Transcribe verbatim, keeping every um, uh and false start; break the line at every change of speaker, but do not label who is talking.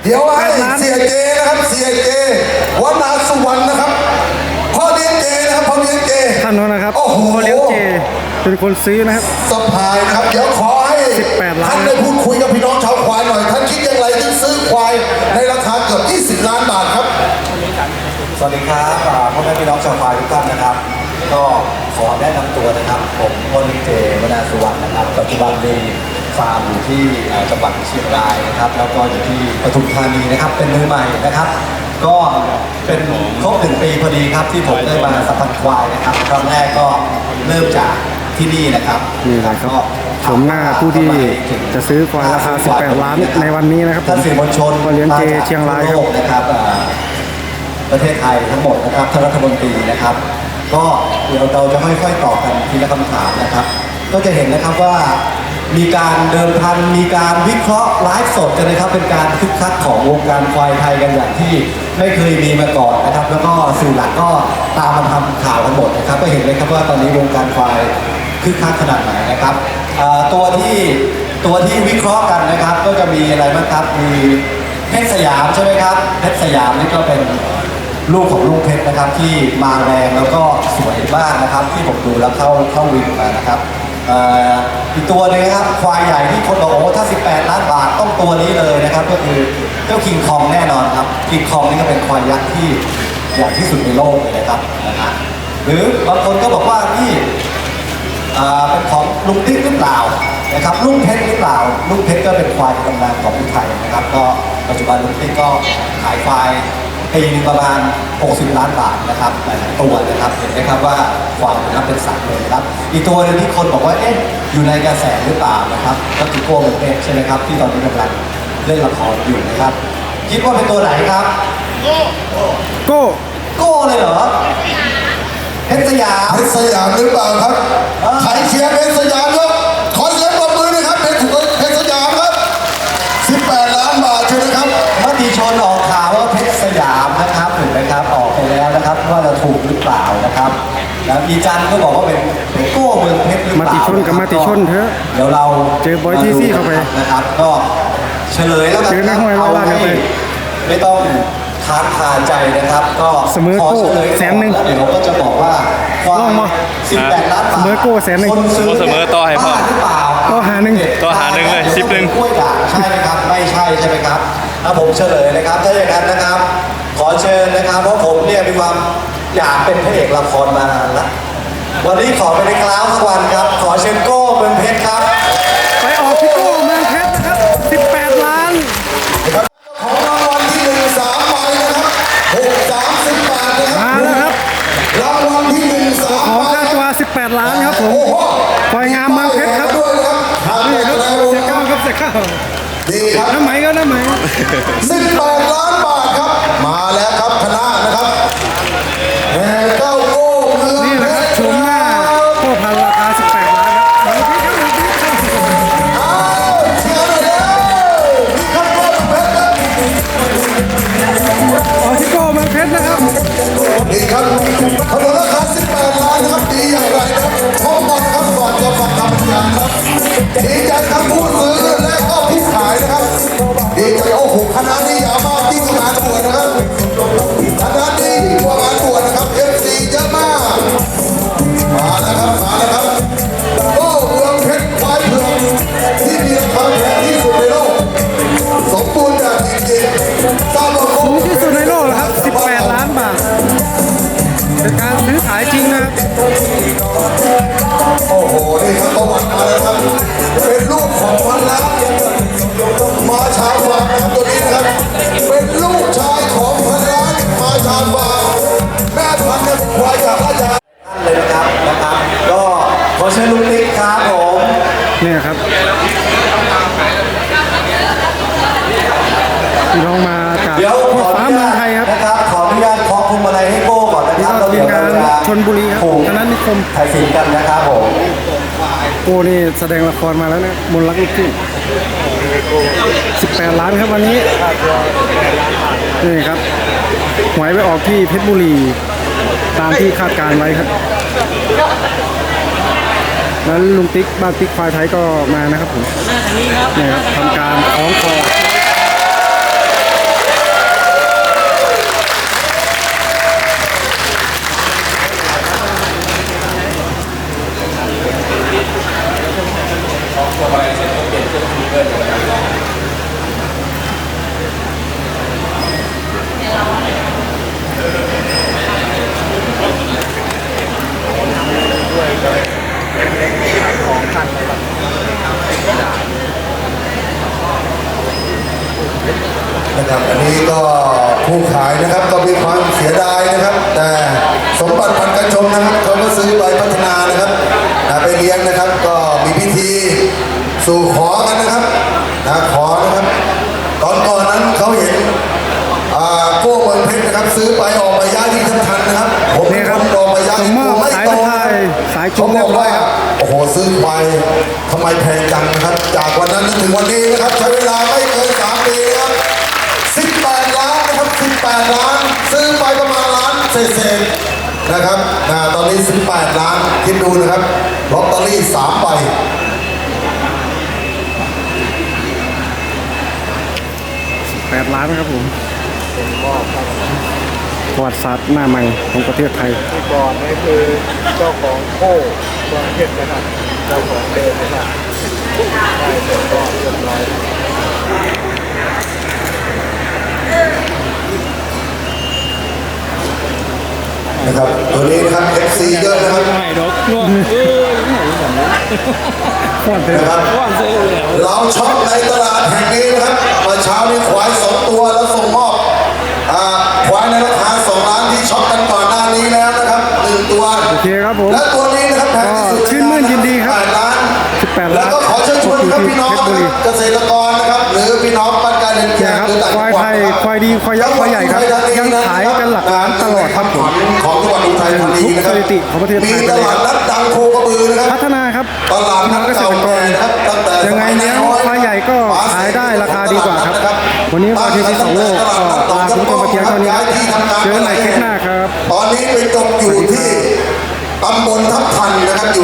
เดี๋ยวให้เสียเจนะครับเสียเจวันาสุวรรณนะครับพ่อเลี้ยงเจนะครับพ่อเลี้ยงเจ
ท่านนั้นนะครับ
โอ้โห
พ่อเลี้ยงเจเป็นคนซื้อนะครับ
สะพายนะครับเดี๋ยวขอให้
สิบแปดล้าน
ท่านได้พูดคุยกับพี่น้องชาวควายหน่อยท่านคิดอย่างไรที่ซื้อควายในราคาเกือบยี่สิบล้านบาทครับ
สวัสดีครับพ่อแม่พี่น้องชาวควายทุกท่านนะครับก็ขอแนะนำตัวนะครับผมพลเจวนาสุวรรณนะครับปัจจุบันมีฟาร์มอยู่ที่จังหวัดเชียงรายนะครับแล้วก็อยู่ที่ปทุมธานีนะครับเป็นมือใหม่นะครับก็เป็นครบหนึ่งปีพอดีครับที่ผมได้มาสัมผัสควายนะครับครั้งแรกก็เริ่มจากที่นี่นะครับ
นี่ครับก็ชมหน้าผู้ที่จะซื้อควายราคาสิบแปดล้านในวันนี้นะครับ
ท่านสื่อมวลชน
พ่อเลี้ยงเจเชียงรายครับ
นะครับประเทศไทยทั้งหมดนะครับท่านรัฐมนตรีนะครับก็เดี๋ยวเราจะค่อยๆตอบกันทีละคำถามนะครับก็จะเห็นนะครับว่ามีการเดิมพันมีการวิเคราะห์ไลฟ์สดกันนะครับเป็นการคึกคักของวงการควายไทยกันอย่างที่ไม่เคยมีมาก่อนนะครับแล้วก็สื่อหลักก็ตามมาทำข่าวกันหมดนะครับก็เห็นเลยครับว่าตอนนี้วงการควายคึกคักขนาดไหนนะครับตัวที่ตัวที่วิเคราะห์กันนะครับก็จะมีอะไรบ้างครับมีเพชรสยามใช่ไหมครับเพชรสยามนี่ก็เป็นลูกของลูกเพชรนะครับที่มาแรงแล้วก็สวยมากนะครับที่ผมดูแล้วเข้าเข้าวินมานะครับอีกตัวนึงนะครับควายใหญ่ที่คนบอกโอ้ถ้าสิบแปดล้านบาทต้องตัวนี้เลยนะครับก็คือเจ้าคิงคองแน่นอนครับคิงคองนี่ก็เป็นควายยักษ์ที่ใหญ่ที่สุดในโลกเลยนะครับนะฮะหรือบางคนก็บอกว่านี่เป็นของลุงติ๊กหรือเปล่านะครับลุงเพชรหรือเปล่าลุงเพชรก็เป็นควายตำนานของอุทัยนะครับก็ปัจจุบันลุงติ๊กก็ขายควายปีนึงประมาณหกสิบล้านบาทนะครับหลายตัวนะครับเห็นไหมครับว่าความนะครับเป็นสัตว์เลยนะครับอีกตัวนึงที่คนบอกว่าเอ๊ะอยู่ในกระแสหรือเปล่านะครับก็คือโก้เมืองเพชรใช่ไหมครับที่ตอนนี้กำลังเล่นละครอยู่นะครับคิดว่าเป็นตัวไหนครับโก้โก้โก้เลยเหรอเพชรสยาม
เพชรสยามหรือเปล่าครับใครเชียร์เพชรสยามครับขอเสียงปรบมือนะครับเพชรเพชรสยามครับสิบแปดล้านบาทใช่ไหมครับ
มติชนออกข่าวว่าเพชรสยามนะครับถูกไหมครับออกไปแล้วนะครับว่าจะถูกหรือเปล่านะครับแล้วอีจันก็บอกว่าเป็นโก้เมืองเพชรหรือเปล่า
มาติชนกับมาติชนเถอะ
เดี๋ยวเรา
เจอบอยทีซี่เข้าไป
นะครับก็เฉลยแล้วกัน
ครับเอาให้
ไม่ต้องค้างคาใจนะครับก็
เสมอโก้แสนหนึ่ง
เดี๋ยวผมก็จะบอกว่าความสิบแปดล้านบาท
เสมอโก้แสนหนึ่ง
เสมอต่อให้พ่อ
หรือเปล่า
ต่อหาหนึ่ง
ต่อหาหนึ่งเลยสิบหนึ่ง
กล้วยด่างใช่ไหมครับไม่ใช่ใช่ไหมครับถ้าผมเฉลยนะครับถ้าอย่างนั้นนะครับขอเชิญนะครับเพราะผมเนี่ยมีความอยากเป็นพระเอกละครมานานแล้ววันนี้ขอไปในคลาสสักวันครับขอเชิญโก้เมืองเพชรครับ
ไปออกที่โก้เมืองเพชรนะครับสิบแปดล้าน
ของรางวัลที่หนึ่งสามใบนะครับหกสามสิบบาทนะครับ
มาแล้วครับ
รางวัลที่หนึ่งสาม
ของค่าตัวสิบแปดล้านครับผมปล่อยงามเมืองเพชรครับนี่ครับเสียก้าวครับเสียก้าว
ดีครับ
น้ำไหมก็น้ำไหม
สิบแปดล้านบาทครับมาแล้วครับคณะนะครับแห่เก้าโก้เมือง
นี่นะครับชมหน้าพ่อพันราคาสิบแปดล้านครับเมืองเพชรครับ
อ้าวเชียร์หน่อยเด้อนี่ครับโก้เมืองเพชรครับ
ออกที่โก้เมืองเพชรนะครับ
นี่ครับถนนราคาสิบแปดล้านนะครับดีอย่างไรนะครับพบกันครับก่อนจะฟังคำบรรยายครับดีใจทั้งผู้ซื้อและก็ผู้ขายนะครับดีใจโอ้โหคณะนี้ยาวมากที่งานบวชนะครับคณะนี้ยิ่งกว่างานบวชนะครับเอฟซีเยอะมากมาแล้วครับมาแล้วครับโอ้เมืองเพชรควายเผือกที่มีราคาแพงที่สุดในโลกสมบูรณ์แบบจริงๆทราบว่า
สูงที่สุดในโลกครับสิบแปดล้านบาทเป็นการซื้อขายจริงนะครับ
โอ้โหนี่ครับประวัติมาแล้วครับเป็นลูกของพันล้านมาชาฟาร์มตัวนี้นะครับเป็นลูกชายของพันล้านมาชาฟาร์มแม่พันธุ์เนี่ยควายจากราชา
เลยนะครับนะครับก็ขอเชิญลุงติ๊กครับผม
นี่ครับพี่น้องมาจากพ่อฟ้าเมืองไทยครับ
นะครับขออนุญาตขอคุมอะไรให้โก้ก่อนนะครับ
เราเรียนการชลบุรีครับคณะนิคม
ถ่ายสินกันนะครับผม
โก้นี่แสดงละครมาแล้วนะมนต์รักลูกทุ่งสิบแปดล้านครับวันนี้นี่ครับหวยไปออกที่เพชรบุรีตามที่คาดการไว้ครับแล้วลุงติ๊กบ้านติ๊กควายไทยก็มานะครับผมนี่ครับทำการคล้องคอ
นะครับอันนี้ก็ผู้ขายนะครับก็มีความเสียดายนะครับ แต่สมบัติพันธุ์กันชมนะครับเขาก็ซื้อไปพัฒนานะครับนะไปเลี้ยงนะครับก็มีพิธีสู่ขอกันนะครับนะขอนะครับตอนก่อนนั้นเขาเห็นอ่าโก้เมืองเพชรนะครับซื้อไปออกมาย้ายที่ทันทันนะครับผม
นี่ครับ
ออกมาย้าย
ส่งมอบ
ไม่
สาย
โต
สะพายสายจุ่
เขา
ม
บ
เรี
อย ก
บร้อย
ว่า
ครับ
โอ้โหซื้อไปทำไมแพงจังนะครับ จากวันนั้นถึงวันนี้นะครับใช้เวลาไม่เกินสามปีนะครับสิบแปดล้านนะครับสิบแปดล้านซื้อไปประมาณล้านเศษๆนะครับนะตอนนี้สิบแปดล้านคิดดูนะครับลอตเตอรี่สามใบ
แปดล้านนะครับผมประวัติศาสตร์หน้าใหม่ของประเทศไทย
ที่ก่อนนี่คือเจ้าของโค้เมืองเพชรนะครับเจ้าของเดิมนะครับได้เสร็จก็เรียบร้อย
นะครับตัวนี้นะครับ เอฟ ซี เยอะนะครับ
ไม่ดอกนวดเอ้ยไหนแบบนี้
ฟอนเถอะ
นะครับ
ว่านเซ่แล้ว
เราช็อปในตลาดแห่งนี้นะครับเมื่อเช้านี้ควายสองตัวแล้วส่งมอบอ่าควายในราคาสองล้านที่ช็อปกันก่อนหน้านี้แล้วนะครับหนึ่งตัว
โอเคครับผม
และตัวนี้นะครับแพงที่สุด
ก็ชื่นมื่นยินดีครับ
แปดล้าน
สิบแปดล้าน
แล้วก็ขอเชิญชวนครับพี่น้อง
เพชรบุรี
เกษตรกรนะครับหรือพี่น้องบ้านการเรียน
เนี่ยครับ
หรือต่าง
ควาย
จังหวั
ไท
ด
ย
นะครับ
ควายดีควายยักษ์ควายใหญ่ครับยังขายกันหลักล้านตลอดครับผม
ของจังหวัดอุทัยธานีนะครับ
ทุกสถิติของประเทศไทย
มีตลาดนัดดังโคกระบือนะครับ
พัฒนาครับ
ตลาด
พี่น้
นั
อ
ด
งเกษ
เก่า
ตรก
แก่
ร
นะครับตั้งแต่
ยังไงเลี้ยงควายใหญ่ก็ขายได้ราคาดีกว่าครับ วันนี้วันที่ที่สองโลกก็ลาคุณผู้ชมไปเพียงเท่านี้ครับเจอกันใหม่คลิปหน้าครับ
ตอนนี้ไปจบอยู่ที่ตำบลทับทันนะครับ